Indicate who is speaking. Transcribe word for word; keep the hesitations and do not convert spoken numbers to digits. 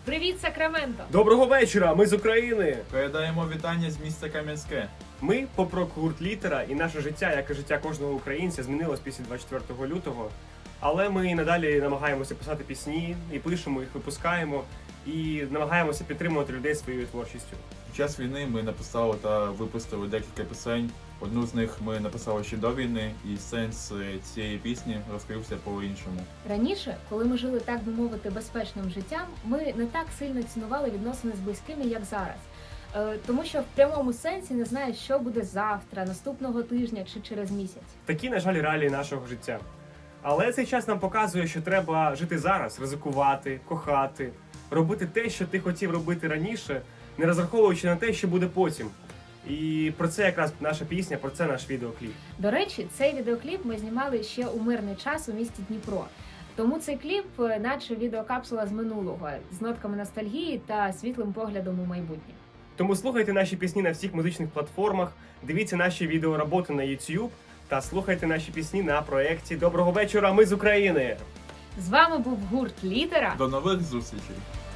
Speaker 1: Привіт, Сакраменто!
Speaker 2: Доброго вечора! Ми з України!
Speaker 3: Передаємо вітання з міста Кам'янське.
Speaker 2: Ми поп-рок гурт Літера, і наше життя, як і життя кожного українця, змінилось після двадцять четвертого лютого. Але ми і надалі намагаємося писати пісні, і пишемо їх, випускаємо, і намагаємося підтримувати людей своєю творчістю.
Speaker 3: Під час війни ми написали та випустили декілька пісень. Одну з них ми написали ще до війни, і сенс цієї пісні розкрився по-іншому.
Speaker 1: Раніше, коли ми жили, так би мовити, безпечним життям, ми не так сильно цінували відносини з близькими, як зараз. Е, Тому що в прямому сенсі не знаєш, що буде завтра, наступного тижня чи через місяць.
Speaker 2: Такі, на жаль, реалії нашого життя. Але цей час нам показує, що треба жити зараз, ризикувати, кохати, робити те, що ти хотів робити раніше, не розраховуючи на те, що буде потім. І про це якраз наша пісня, про це наш відеокліп.
Speaker 1: До речі, цей відеокліп ми знімали ще у мирний час у місті Дніпро. Тому цей кліп, наче відеокапсула з минулого, з нотками ностальгії та світлим поглядом у майбутнє.
Speaker 2: Тому слухайте наші пісні на всіх музичних платформах, дивіться наші відеороботи на YouTube та слухайте наші пісні на проєкті «Доброго вечора, ми з України».
Speaker 1: З вами був гурт Літера.
Speaker 3: До нових зустрічей!